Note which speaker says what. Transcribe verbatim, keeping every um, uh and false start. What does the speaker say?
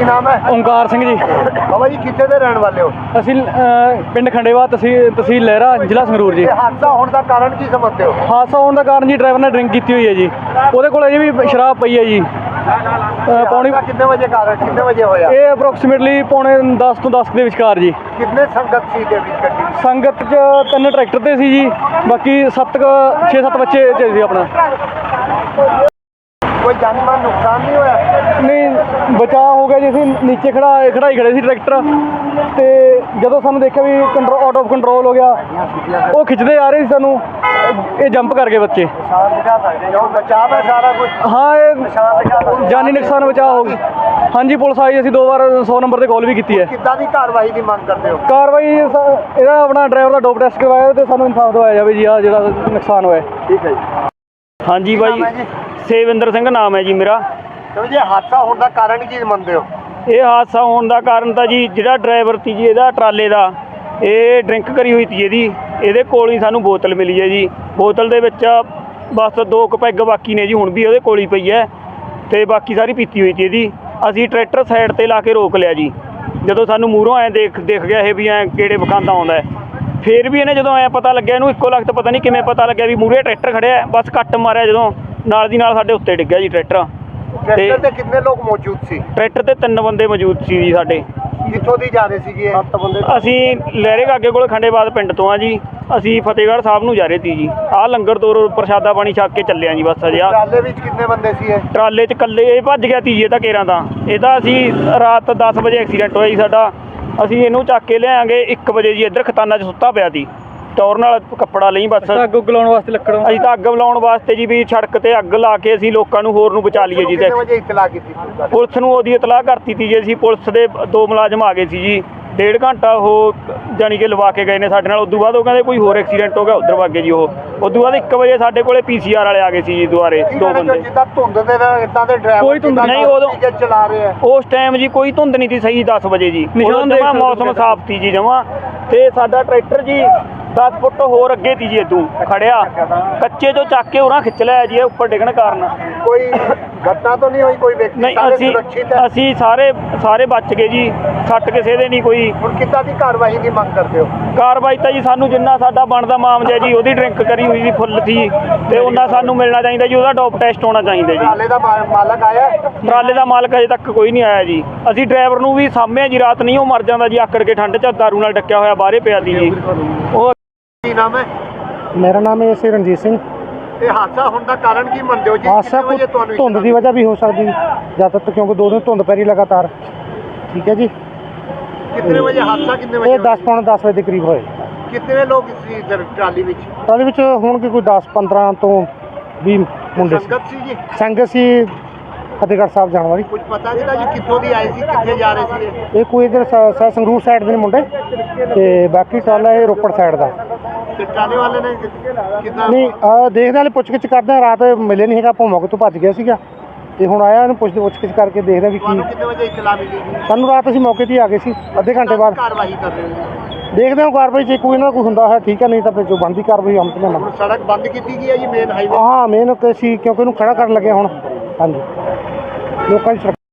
Speaker 1: ਨਾਮ ਹੈ?
Speaker 2: ਓਮਕਾਰ ਸਿੰਘ ਜੀ।
Speaker 1: ਬਾਬਾ ਜੀ ਕਿੱਥੇ ਦੇ ਰਹਿਣ ਵਾਲੇ ਹੋ?
Speaker 2: ਅਸੀਂ ਪਿੰਡ ਖੰਡੇਵਾ, ਤਹਿਸੀਲ ਤਹਿਸੀਲ ਲਹਿਰਾ, ਜ਼ਿਲ੍ਹਾ ਸੰਗਰੂਰ ਜੀ।
Speaker 1: ਇਹ ਹਾਦਸਾ ਹੋਣ ਦਾ ਕਾਰਨ ਕੀ ਸਮਝਦੇ ਹੋ?
Speaker 2: ਹਾਦਸਾ ਹੋਣ ਦਾ ਕਾਰਨ ਜੀ ਡਰਾਈਵਰ ਨੇ ਡਰਿੰਕ ਕੀਤੀ ਹੋਈ ਹੈ ਜੀ। ਉਹਦੇ ਕੋਲ ਅਜੇ ਵੀ ਸ਼ਰਾਬ ਪਈ ਹੈ ਜੀ। ਪੌਣੀ
Speaker 1: ਕਿੰਨੇ ਵਜੇ ਕਾਰਨ ਕਿੰਨੇ ਵਜੇ ਹੋਇਆ
Speaker 2: ਇਹ? ਅਪਰੋਕਸੀਮੇਟਲੀ ਪੌਣੇ ਦਸ ਤੋਂ ਦਸ ਦੇ ਵਿਚਕਾਰ ਜੀ।
Speaker 1: ਕਿੰਨੇ ਸੰਗਤ ਸੀ ਦੇ ਵਿੱਚ ਗੱਡੀ?
Speaker 2: ਸੰਗਤ 'ਚ ਤਿੰਨ ਟਰੈਕਟਰ ਤੇ ਸੀ ਜੀ, ਬਾਕੀ ਸੱਤ ਛੇ ਸੱਤ ਬੱਚੇ 'ਚ ਸੀ ਆਪਣਾ।
Speaker 1: ਕੋਈ ਜਾਨੀ-ਮਾਲ ਨੁਕਸਾਨ ਨਹੀਂ ਹੋਇਆ?
Speaker 2: ਨਹੀਂ, ਬਚਾਅ ਹੋ ਗਿਆ ਜੀ। ਅਸੀਂ ਨੀਚੇ ਖੜਾ ਖੜਾਈ ਖੜੇ ਸੀ ਟਰੈਕਟਰ, ਤੇ ਜਦੋਂ ਸਾਨੂੰ ਦੇਖਿਆ ਵੀ ਕੰਟਰੋਲ ਆਊਟ ਆਫ ਕੰਟਰੋਲ ਹੋ ਗਿਆ, ਉਹ ਖਿੱਚਦੇ ਆ ਰਹੇ ਸੀ ਸਾਨੂੰ, ਇਹ ਜੰਪ ਕਰ ਗਏ ਬੱਚੇ।
Speaker 1: ਬਚਾਅ ਹੈ ਸਾਰਾ ਕੁਝ?
Speaker 2: ਹਾਂ, ਇਹ ਜਾਨੀ ਨੁਕਸਾਨ ਬਚਾਅ ਹੋ ਗਈ। ਹਾਂਜੀ, ਪੁਲਿਸ ਆਈ, ਅਸੀਂ ਦੋ ਵਾਰ ਸੌ ਨੰਬਰ ਤੇ ਕਾਲ ਵੀ ਕੀਤੀ ਹੈ।
Speaker 1: ਕਿੱਦਾਂ ਦੀ ਕਾਰਵਾਈ ਦੀ ਮੰਗ ਕਰਦੇ ਹੋ?
Speaker 2: ਕਾਰਵਾਈ ਇਹਦਾ ਆਪਣਾ ਡਰਾਈਵਰ ਦਾ ਡੋਪ ਟੈਸਟ ਕਰਵਾਇਆ ਤੇ ਸਾਨੂੰ ਇਨਸਾਫ ਦਿਵਾਇਆ ਜਾਵੇ ਜੀ। ਆ ਜਿਹੜਾ ਨੁਕਸਾਨ ਹੋਇਆ।
Speaker 1: ਠੀਕ ਹੈ ਜੀ।
Speaker 3: ਹਾਂਜੀ ਬਾਈ, ਸੇਵਿੰਦਰ ਸਿੰਘ ਨਾਮ ਹੈ ਜੀ ਮੇਰਾ।
Speaker 1: ਤੇ ਜੀ ਹਾਦਸਾ ਹੋਣ ਦਾ ਕਾਰਨ ਕੀ ਮੰਨਦੇ ਹੋ?
Speaker 3: ਇਹ ਹਾਦਸਾ ਹੋਣ ਦਾ ਕਾਰਨ ਤਾਂ ਜੀ ਜਿਹੜਾ ਡਰਾਈਵਰ ਸੀ ਜੀ ਇਹਦਾ ਟਰਾਲੇ ਦਾ, ਇਹ ਡਰਿੰਕ ਕਰੀ ਹੋਈ ਸੀ ਇਹਦੀ। ਇਹਦੇ ਕੋਲ ਹੀ ਸਾਨੂੰ ਬੋਤਲ ਮਿਲੀ ਹੈ ਜੀ। ਬੋਤਲ ਦੇ ਵਿੱਚ ਬਸ ਦੋ ਕੁ ਪੈਗ ਬਾਕੀ ਨੇ ਜੀ, ਹੁਣ ਵੀ ਉਹਦੇ ਕੋਲ ਹੀ ਪਈ ਹੈ, ਤੇ ਬਾਕੀ ਸਾਰੀ ਪੀਤੀ ਹੋਈ ਸੀ ਇਹਦੀ। ਅਸੀਂ ਟਰੈਕਟਰ ਸਾਈਡ 'ਤੇ ਲਾ ਕੇ ਰੋਕ ਲਿਆ ਜੀ। ਜਦੋਂ ਸਾਨੂੰ ਮੂਹਰੋਂ ਐਂ ਦੇਖ ਦੇਖ ਗਿਆ ਇਹ ਵੀ ਐਂ ਕਿਹੜੇ ਬਖਾਂਦਾ ਆਉਂਦਾ, ਫਿਰ ਵੀ ਇਹਨੇ ਜਦੋਂ ਐਂ ਪਤਾ ਲੱਗਿਆ, ਇਹਨੂੰ ਇੱਕੋ ਲਖਤ ਪਤਾ ਨਹੀਂ ਕਿਵੇਂ ਪਤਾ ਲੱਗਿਆ ਵੀ ਮੂਹਰੇ ਟਰੈਕਟਰ ਖੜਿਆ, ਬਸ ਕੱਟ ਮਾਰਿਆ, ਜਦੋਂ ਨਾਲ ਦੀ ਨਾਲ ਸਾਡੇ ਉੱਤੇ ਡਿੱਗਿਆ ਜੀ ਟਰੈਕਟਰ।
Speaker 1: ਟਰੈਕਟਰ ਤੇ ਕਿੰਨੇ ਲੋਕ ਮੌਜੂਦ ਸੀ?
Speaker 3: ਟਰੈਕਟਰ ਤੇ ਤਿੰਨ ਬੰਦੇ ਮੌਜੂਦ ਸੀ ਜੀ ਸਾਡੇ।
Speaker 1: ਕਿੱਥੋਂ ਦੀ ਜਾ ਰਹੇ ਸੀਗੇ ਇਹ? ਸੱਤ ਬੰਦੇ।
Speaker 3: ਅਸੀਂ ਲਹਿਰੇ ਕਾਗੇ ਕੋਲ ਖੰਡੇਬਾਦ ਪਿੰਡ ਤੋਂ ਆ ਜੀ। ਅਸੀਂ ਫਤਿਹਗੜ੍ਹ ਸਾਹਿਬ ਨੂੰ ਜਾ ਰਹੇ ਸੀ ਜੀ। ਆਹ ਲੰਗਰ ਤੋਂ ਪ੍ਰਸ਼ਾਦਾ ਪਾਣੀ ਛਕ ਕੇ ਚੱਲੇ ਆ ਜੀ ਬਸ ਅਜੇ। ਆ
Speaker 1: ਟਰਾਲੇ ਵਿੱਚ ਕਿੰਨੇ ਬੰਦੇ ਸੀ ਇਹ?
Speaker 3: ਟਰਾਲੇ 'ਚ ਇਕੱਲੇ ਇਹ ਭੱਜ ਗਿਆ ਤੀ ਜੀ। ਇਹ ਤਾਂ ਕੇਰਾਂ ਦਾ ਇਹ ਤਾਂ ਅਸੀਂ ਰਾਤ ਦਸ ਵਜੇ ਐਕਸੀਡੈਂਟ ਹੋਇਆ ਜੀ ਸਾਡਾ। ਅਸੀਂ ਇਹਨੂੰ ਚੱਕ ਕੇ ਲਿਆਂਗੇ ਇੱਕ ਵਜੇ ਜੀ। ਇੱਧਰ ਖਤਾਨਾ 'ਚ ਸੁੱਤਾ ਪਿਆ ਸੀ, ਟੌਰ ਨਾਲ ਕੱਪੜਾ ਲਈ ਬਸ।
Speaker 2: ਅੱਗ ਉੱਗ ਲਾਉਣ ਵਾਸਤੇ ਲੱਕੜੋਂ
Speaker 3: ਅਸੀਂ ਤਾਂ ਅੱਗ ਲਾਉਣ ਵਾਸਤੇ ਜੀ ਵੀ ਸੜਕ ਤੇ ਅੱਗ ਲਾ ਕੇ ਅਸੀਂ ਲੋਕਾਂ ਨੂੰ ਹੋਰ ਨੂੰ ਬਚਾ ਲਈਏ ਜੀ।
Speaker 1: ਕਿੰਨੇ ਵਜੇ ਇਤਲਾਹ ਕੀਤੀ?
Speaker 3: ਪੁਲਿਸ ਨੂੰ ਉਹਦੀ ਇਤਲਾਹ ਕਰਤੀ ਤੀ ਜੀ ਅਸੀਂ। ਪੁਲਿਸ ਦੇ ਦੋ ਮੁਲਾਜ਼ਮ ਆ ਗਏ ਸੀ ਜੀ। ਡੇਢ ਘੰਟਾ ਉਹ ਜਾਣੀ ਕਿ ਲਵਾ ਕੇ ਗਏ ਨੇ ਸਾਡੇ ਨਾਲ। ਉਦੋਂ ਬਾਅਦ ਉਹ ਕਹਿੰਦੇ ਕੋਈ ਹੋਰ ਐਕਸੀਡੈਂਟ ਹੋ ਗਿਆ, ਉੱਧਰ ਵਗ ਗਏ ਜੀ ਉਹ। ਉਦੋਂ ਬਾਅਦ ਇੱਕ ਵਜੇ ਸਾਡੇ ਕੋਲੇ ਪੀ ਸੀ ਆਰ ਵਾਲੇ ਆ ਗਏ ਸੀ ਜੀ ਦੁਬਾਰੇ, ਦੋ ਬੰਦੇ।
Speaker 1: ਜਿੱਦਾਂ ਧੁੰਦ ਦੇ ਨਾਲ ਇਦਾਂ ਦੇ ਡਰਾਈਵਰ
Speaker 2: ਕੋਈ ਧੁੰਦ
Speaker 3: ਨਹੀਂ ਉਦੋਂ
Speaker 1: ਚਲਾ ਰਹੇ ਆ।
Speaker 3: ਉਸ ਟਾਈਮ ਜੀ ਕੋਈ ਧੁੰਦ ਨਹੀਂ ਸੀ ਸਹੀ। ਦਸ ਵਜੇ ਜੀ
Speaker 2: ਨਿਸ਼ਾਨ ਦੇਖ
Speaker 3: ਜਮਾਂ
Speaker 2: ਸਕਦੇ
Speaker 3: ਮੌਸਮ ਸਾਫ਼ ਸੀ ਜੀ ਜਮਾਂ। ਤੇ ਸਾਡਾ ਟਰੈਕਟਰ ਜੀ ਦਸ ਫੁੱਟ ਹੋਰ ਅੱਗੇ ਸੀ ਜੀ ਇਦੋਂ ਖੜਿਆ, ਕੱਚੇ ਤੋਂ ਚੱਕ ਕੇ ਉਰਾਂ ਖਿੱਚ ਲਿਆ ਜੀ ਉੱਪਰ ਡਿੱਗਣ ਕਾਰਨ।
Speaker 1: ਕੋਈ ਘਟਨਾ ਤਾਂ ਨਹੀਂ ਹੋਈ? ਕੋਈ ਵਿਅਕਤੀ
Speaker 3: ਨਹੀਂ,
Speaker 1: ਸਾਰੇ
Speaker 3: ਅਸੀਂ
Speaker 1: ਸੁਰੱਖਿਅਤ ਹੈ?
Speaker 3: ਅਸੀਂ ਸਾਰੇ ਸਾਰੇ ਬਚ ਗਏ ਜੀ, ਸੱਟ ਕਿਸੇ ਦੇ ਨਹੀਂ ਕੋਈ।
Speaker 1: ਹੁਣ ਕਿੱਦਾਂ ਦੀ ਕਾਰਵਾਈ ਦੀ ਮੰਗ ਕਰਦੇ ਹੋ?
Speaker 3: ਕਾਰਵਾਈ ਤਾਂ ਜੀ ਸਾਨੂੰ ਜਿੰਨਾ ਸਾਡਾ ਬਣਦਾ ਮਾਮਜਾ ਜੀ, ਉਹਦੀ ਡਰਿੰਕ ਕਰੀ ਹੋਈ ਸੀ ਫੁੱਲ ਸੀ, ਤੇ ਉਹਨਾਂ ਸਾਨੂੰ ਮਿਲਣਾ ਚਾਹੀਦਾ ਜੀ। ਉਹਦਾ ਡੋਪ ਟੈਸਟ ਹੋਣਾ ਚਾਹੀਦਾ ਜੀ।
Speaker 1: ਟਰਾਲੇ ਦਾ ਮਾ- ਮਾਲਕ ਆਇਆ?
Speaker 3: ਟਰਾਲੇ ਦਾ ਮਾਲਕ ਅਜੇ ਤੱਕ ਕੋਈ ਨਹੀਂ ਆਇਆ ਜੀ। ਅਸੀਂ ਡਰਾਈਵਰ ਨੂੰ ਵੀ ਸਾਹਮਣੇ ਜੀ, ਰਾਤ ਨਹੀਂ ਉਹ ਮਰ ਜਾਂਦਾ ਜੀ ਆਕੜ ਕੇ ਠੰਡ 'ਚ, ਦਾਰੂ ਨਾਲ ਡੱਕਿਆ ਹੋਇਆ ਬਾਹਰੇ ਪਿਆ ਸੀ ਜੀ ਉਹ।
Speaker 1: ਕੀ ਨਾਮ ਹੈ?
Speaker 4: ਮੇਰਾ ਨਾਮ ਹੈ ਸੀ ਰਣਜੀਤ ਸਿੰਘ।
Speaker 1: ਇਹ ਹਾਦਸਾ ਹੋਣ ਦਾ ਕਾਰਨ ਕੀ ਮੰਨਦੇ ਹੋ ਜੀ?
Speaker 4: ਹਾਦਸਾ
Speaker 1: ਕਿੰਨੇ ਵਜੇ ਤੁਹਾਨੂੰ
Speaker 4: ਧੁੰਦ ਦੀ ਵਜ੍ਹਾ ਵੀ ਹੋ ਸਕਦੀ ਜ਼ਿਆਦਾਤਰ, ਕਿਉਂਕਿ ਦੋ ਦਿਨ ਧੁੰਦ ਪੈ ਰਹੀ ਲਗਾਤਾਰ। ਠੀਕ ਹੈ ਜੀ।
Speaker 1: ਕਿੰਨੇ ਵਜੇ ਹਾਦਸਾ ਕਿੰਨੇ ਵਜੇ
Speaker 4: ਇਹ ਦਸ ਪੌਣੇ ਦਸ ਵਜੇ ਦੇ ਕਰੀਬ ਹੋਏ।
Speaker 1: ਕਿੰਨੇ ਲੋਕ ਸੀ ਇੱਧਰ ਟਰਾਲੀ ਵਿੱਚ?
Speaker 4: ਟਰਾਲੀ ਵਿੱਚ ਹੋਣਗੇ ਕੋਈ ਦਸ ਪੰਦਰਾਂ ਤੋਂ ਵੀਹ ਮੁੰਡੇ ਸੀ।
Speaker 1: ਸੰਗਤ ਸੀ ਜੀ?
Speaker 4: ਸੰਗਤ ਸੀ ਫਤਿਹਗੜ੍ਹ ਸਾਹਿਬ ਜਾਣ ਵਾਲੀ।
Speaker 1: ਕੁਝ ਪਤਾ ਨਹੀਂ ਜੀ ਕਿੱਥੋਂ ਦੀ ਆਏ ਸੀ, ਕਿੱਥੇ ਜਾ ਰਹੇ ਸੀ ਇਹ?
Speaker 4: ਇਹ ਕੋਈ ਇੱਧਰ ਸ- ਸੰਗਰੂਰ ਸਾਈਡ ਦੇ ਨੇ ਮੁੰਡੇ, ਤੇ ਬਾਕੀ ਟਰਾਲਾ ਇਹ ਰੋਪੜ ਸਾਈਡ ਦਾ।
Speaker 1: ਤੇ ਟਰਾਲੇ ਵਾਲੇ ਨੇ ਕਿੰਨਾ?
Speaker 4: ਨਹੀਂ, ਆਹ ਦੇਖਦੇ ਹਾਲੇ ਪੁੱਛ ਗਿੱਛ ਕਰਦੇ ਹਾਂ। ਰਾਤ ਮਿਲੇ ਨਹੀਂ ਹੈਗਾ, ਆਪਾਂ ਮੌਕੇ ਤੋਂ ਭੱਜ ਗਿਆ ਸੀਗਾ, ਤੇ ਹੁਣ ਆਇਆ ਇਹਨੂੰ ਪੁੱਛ ਪੁੱਛ ਗਿੱਛ ਕਰਕੇ ਦੇਖਦੇ ਵੀ ਕੀ।
Speaker 1: ਤੁਹਾਨੂੰ ਕਿੰਨੇ ਵਜੇ ਇਤਲਾਹ ਮਿਲੀ ਜੀ?
Speaker 4: ਸਾਨੂੰ ਰਾਤ ਅਸੀਂ ਮੌਕੇ 'ਤੇ ਹੀ ਆ ਗਏ ਸੀ, ਅੱਧੇ ਘੰਟੇ ਬਾਅਦ।
Speaker 1: ਕਾਰਵਾਈ ਕਰ ਰਹੇ ਹੋ?
Speaker 4: ਦੇਖਦੇ ਹਾਂ ਕਾਰਵਾਈ ਜੇ ਕੋਈ ਨਾ ਕੋਈ ਹੁੰਦਾ ਹੈ ਠੀਕ ਹੈ, ਨਹੀਂ ਤਾਂ ਫਿਰ ਜੋ ਬਣਦੀ ਕਾਰਵਾਈ ਹਮ ਤੇ
Speaker 1: ਹੁਣ ਸੜਕ ਬੰਦ ਕੀਤੀ ਗਈ ਹੈ ਜੀ, ਮੇਨ ਹਾਈਵੇ।
Speaker 4: ਹਾਂ ਮੇਨ ਸੀ, ਕਿਉਂਕਿ ਇਹਨੂੰ ਖੜਾ ਕਰਨ ਲੱਗੇ ਹੁਣ। ਹਾਂਜੀ, ਲੋਕਾਂ ਦੀ ਸੁਰੱਖਿਆ